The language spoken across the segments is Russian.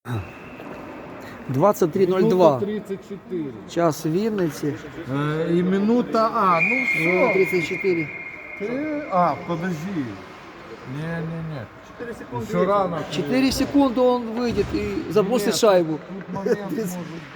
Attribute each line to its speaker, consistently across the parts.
Speaker 1: 23:02.
Speaker 2: 34.
Speaker 1: Час Вінниці.
Speaker 2: И минута, ну все.
Speaker 1: 34.
Speaker 2: Подожди. Не. 4 секунды. Еще рано.
Speaker 1: 4 секунды он выйдет и забросит шайбу.
Speaker 2: Тут момент может.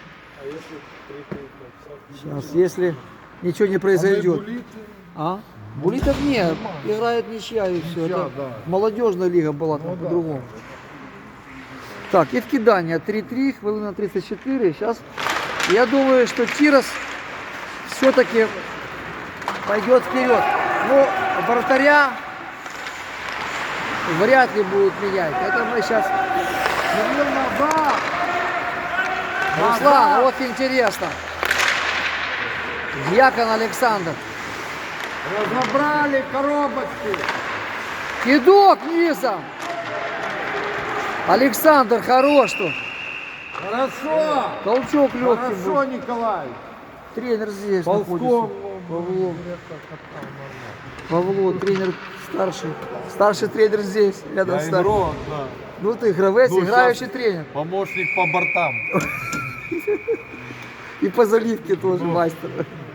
Speaker 1: Сейчас, если ничего не произойдет. А? Булитов нет, играет ничья и все.
Speaker 2: Ничья,
Speaker 1: Это
Speaker 2: да.
Speaker 1: молодежная лига была там по-другому. Так, и в кидание 3-3, хвилина 34. Сейчас я думаю, что Тирос все-таки пойдет вперед. Но вратаря вряд ли будут менять. Это мы сейчас... Руслан, вот интересно. Дьякон Александр.
Speaker 2: Разобрали коробочки.
Speaker 1: Кидок низом. Александр хорош тут.
Speaker 2: Хорошо.
Speaker 1: Толчок легкий был.
Speaker 2: Хорошо, Николай.
Speaker 1: Тренер здесь
Speaker 2: Ползком.
Speaker 1: находится. Павло, тренер старший. Старший тренер здесь, рядом с нами.
Speaker 2: Игрок, да.
Speaker 1: Ну ты игровец,
Speaker 2: Ну,
Speaker 1: играющий
Speaker 2: сейчас
Speaker 1: тренер.
Speaker 2: Помощник по бортам.
Speaker 1: И по заливке тоже мастер.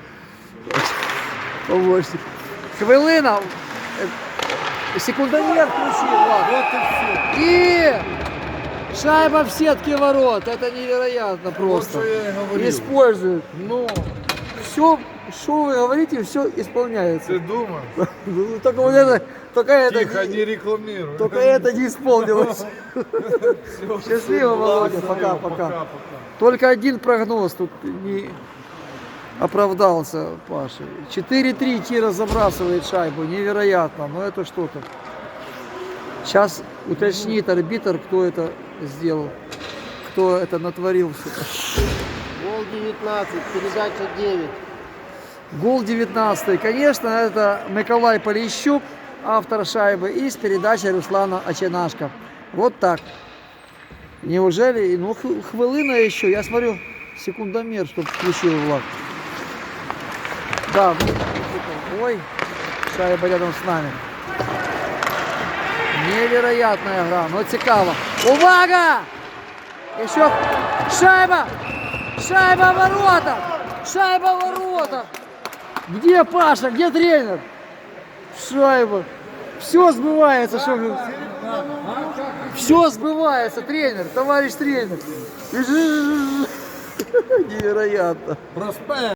Speaker 1: Помощник. Хвилина. Секундомер включил, Влад.
Speaker 2: Вот и все.
Speaker 1: И шайба в сетке ворот. Это невероятно просто.
Speaker 2: Вот что я и говорил.
Speaker 1: Используют.
Speaker 2: Ну,
Speaker 1: Все, что вы говорите, все исполняется.
Speaker 2: ты думаешь?
Speaker 1: Ну, только вот это,
Speaker 2: Тихо, не рекламируй.
Speaker 1: только это не исполнилось. Счастливо, Володя. Пока. Только один прогноз тут не оправдался, Паша. 4-3 Тира забрасывает шайбу. Невероятно. Но это что-то. Сейчас уточнит арбитр, кто это сделал. Кто это натворил.
Speaker 3: Гол 19, передача 9.
Speaker 1: Гол 19. Конечно, это Миколай Полищук, автор шайбы, и с передачей Руслана Оченашко. Вот так. Неужели? Ну, хвилина еще. Я смотрю, секундомер, чтобы включил Влад. Да. Ой, шайба рядом с нами. Невероятная игра. Но цікаво. Увага! Еще шайба! Шайба в воротах! Шайба в воротах! Где Паша? Где тренер? Шайба. Все сбывается. Все сбывается, тренер, товарищ тренер. Невероятно.
Speaker 2: Проспект.